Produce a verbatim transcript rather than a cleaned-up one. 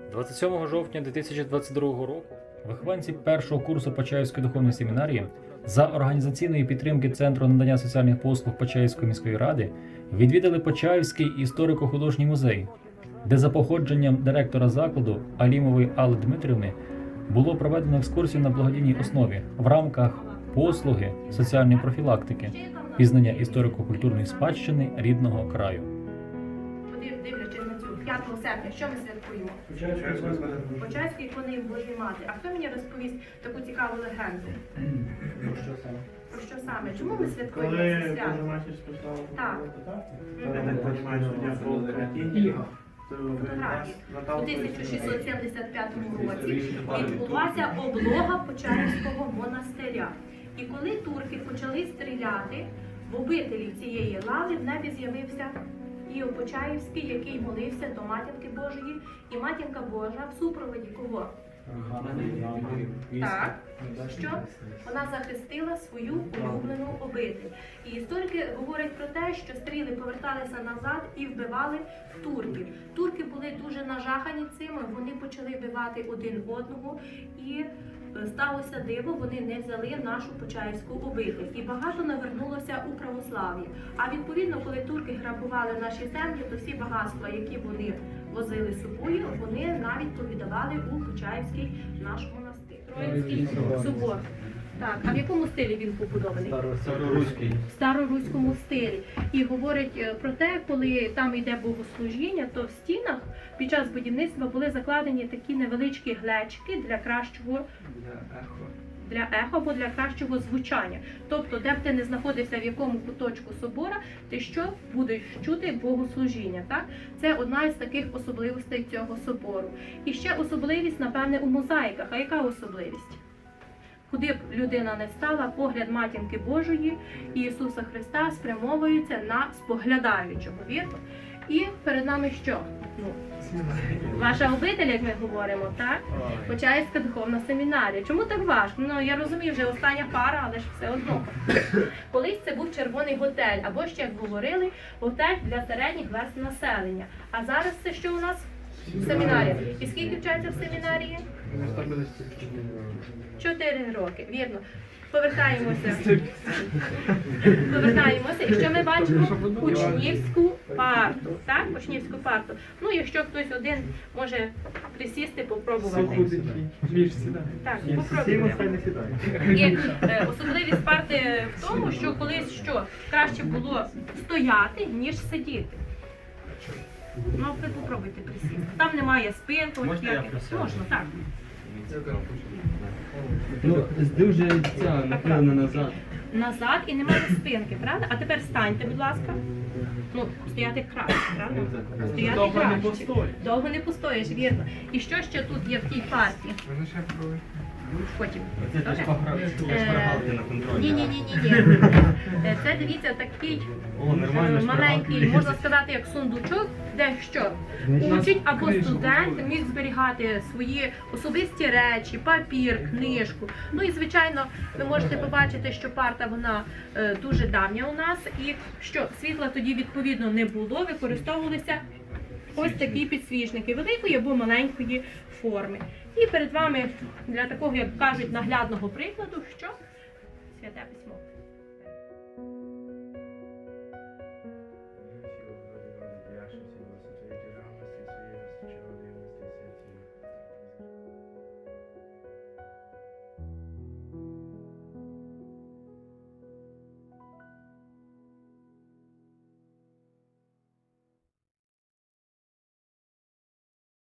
двадцять сьомого жовтня дві тисячі двадцять другого року вихованці першого курсу Почаївської духовної семінарії за організаційної підтримки Центру надання соціальних послуг Почаївської міської ради відвідали Почаївський історико-художній музей, де за походженням директора закладу Алімової Алли Дмитрівни було проведено екскурсію на благодійній основі в рамках послуги соціальної профілактики, пізнання історико-культурної спадщини рідного краю. Дивлячись на цю п'ятого серпня, що ми святкуємо? Почаївську ікони Божої Матері. А хто мені розповість таку цікаву легенду? Про що саме? Про що саме? Чому ми святкуємо це Коли свято? Божа Матір спасала Так. Я так розумію, що дня по Україні. Фотографії. У тисяча шістсот сімдесят п'ятому році відбулася облога Почаївського монастиря. І коли турки почали стріляти, в обителі цієї лави в небі з'явився Іов Почаївський, який молився до Матінки Божої, і Матінка Божа в супроводі кого? Так, що вона захистила свою улюблену обитель. І історики говорять про те, що стріли поверталися назад і вбивали турків. Турки були дуже нажахані цим, вони почали вбивати один одного, і сталося диво, вони не взяли нашу Почаївську обитель. І багато навернулося у православ'я. А відповідно, коли турки грабували наші землі, то всі багатства, які вони возили з собою, вони навіть повідавали у Почаївський наш монастир. Троїцький собор. Так, а в якому стилі він побудований? Староруський. В староруському стилі. І говорять про те, коли там йде богослужіння, то в стінах під час будівництва були закладені такі невеличкі глечики для кращого для ехо або для кращого звучання. Тобто, де б ти не знаходився, в якому куточку собора, ти що будеш чути богослужіння. Так? Це одна із таких особливостей цього собору. І ще особливість, напевне, у мозаїках. А яка особливість? Куди б людина не стала, погляд Матінки Божої і Ісуса Христа спрямовується на споглядаючого, вірно? І перед нами що? Ну, ваша обитель, як ми говоримо, так? Почаївська духовна семінарія. Чому так важко? Ну, я розумію, вже остання пара, але ж все одно. Колись це був червоний готель, або ще, як говорили, готель для середніх верств населення. А зараз це що у нас? Семінарія. І скільки вчаться в семінарії? Чотири роки, вірно. Повертаємося. Повертаємося. І що ми бачимо? Учнівську парту. Так? Учнівську парту. Ну, якщо хтось один може присісти, попробувати. Так, попробуйте. І е, особливість парти в тому, що колись що? Краще було стояти, ніж сидіти. Ну, ви попробуйте присісти. Там немає спинки. Можна я присяду? Можна, так. Ну, дуже ця нахилена назад. Назад і немає спинки, правда? А тепер станьте, будь ласка. Ну, стояти краще, правда? Стояти Довго не краще. постоїш. Довго не постоїш, вірно. І що ще тут є в тій парті? Потім. Це Добре? ж пограти на контролі. Ні, ні, ні, ні, ні. Це, дивіться, такий О, нормально, е, ж маленький, пограти. можна сказати, як сундучок, де що? Учить або студент міг зберігати свої особисті речі, папір, книжку. Ну і, звичайно, ви можете побачити, що парта, вона е, дуже давня у нас. І що, світла тоді, відповідно, не було, використовувалися ось такі підсвічники великої або маленької форми. І перед вами, для такого, як кажуть, наглядного прикладу, що? Святе письмо.